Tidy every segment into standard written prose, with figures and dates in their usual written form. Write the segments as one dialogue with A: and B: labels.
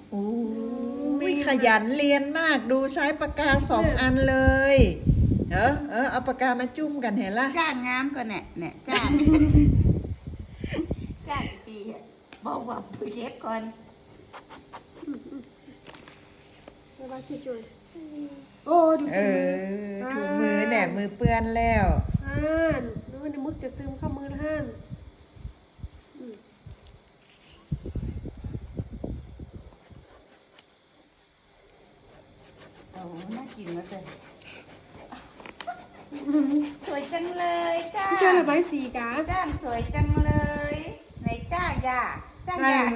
A: โอ้ยขยันเรียนมากดูใช้ปากกา2 อันเลยเอาปากกามาจุ่มกันเห็นละ
B: จ้างงามก็เนี่ยจ้างจ้างปีบอกว่าผู้เย็บก่อนโอ้ดูสิ
A: ถูมือเนี่ยมือเปื้อนแล้ว
C: นู้นมึกจะซึมเข้ามือท่าน
B: โอ้น่ากินมากเลยสวยจังเลยจ้า
C: เจอระบายสีกา
B: จ้างสวยจังเลยไหนจ้างยาจ้างยา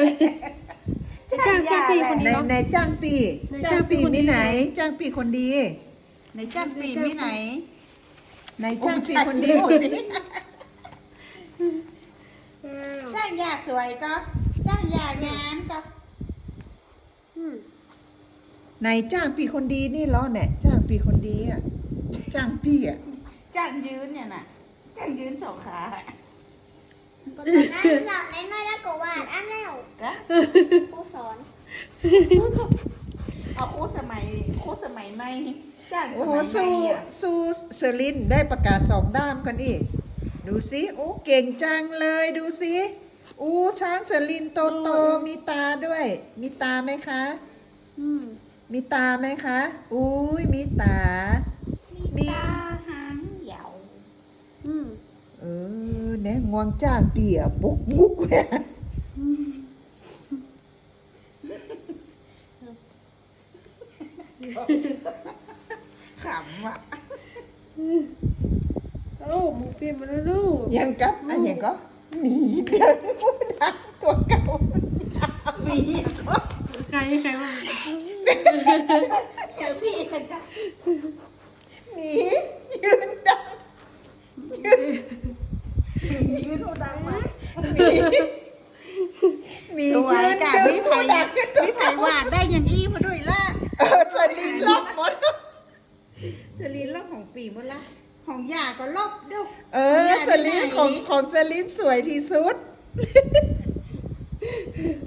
C: จ้างปีคนนี้
A: ในจ้างปีมีไหนจ้างปีคนดี
B: ในจ้างปีมีไหน
A: ในจ้างปีคนดี
B: จ้างยาสวยก็จ้างยางามก็
A: ในจ้างปีคนดีนี่ล้อเนี่ยจ้างปีคนดีอ่ะจ้างปีอ่ะ
B: จ้างยืนเนี่ยน่ะจ้างยืน2 ขา
D: ก็ตอนนั้นหลับน้อยๆแล้วก็วาดแล้วครูสอน
B: เอาครูสมัยใหม่จ้างส
A: โอ้
B: มัยใหม่อ่ะ
A: สู้เซรินได้ปากกา2 ด้ามกันอีกดูสิโอ้เก่งจังเลยดูสิอู้ช้างเซรินโตมีตาด้วยมีตาไหมคะมีตาไหมคะอุ้ยมีตา
B: มีตาหางยาว
A: เนี่ยงวงจ้างปีอ่ะบุกมุกแหว
B: ขำอ่ะ
C: โอ้มึงเปลี่ยนมาแล้วลูก
A: ยังกับอันยังก็หมีเดียวดังตัวเก่า
B: หมีก็
C: ใครว่า
B: เดี๋ยวพี่กันจ้ะ
A: หมียืนดัง
B: หมียืนหูดังมาก
A: หมี
B: สวย
A: ยืน
B: จ้ะ
A: ดึง
B: พี่ไผ่วาดได้อย่างอี้มาด้วยล่ะ
A: สลิงลบหมด
B: สลินลบของปีหมดละของยาก็ลบด้วย
A: สลิงของสลิงสวยที่สุด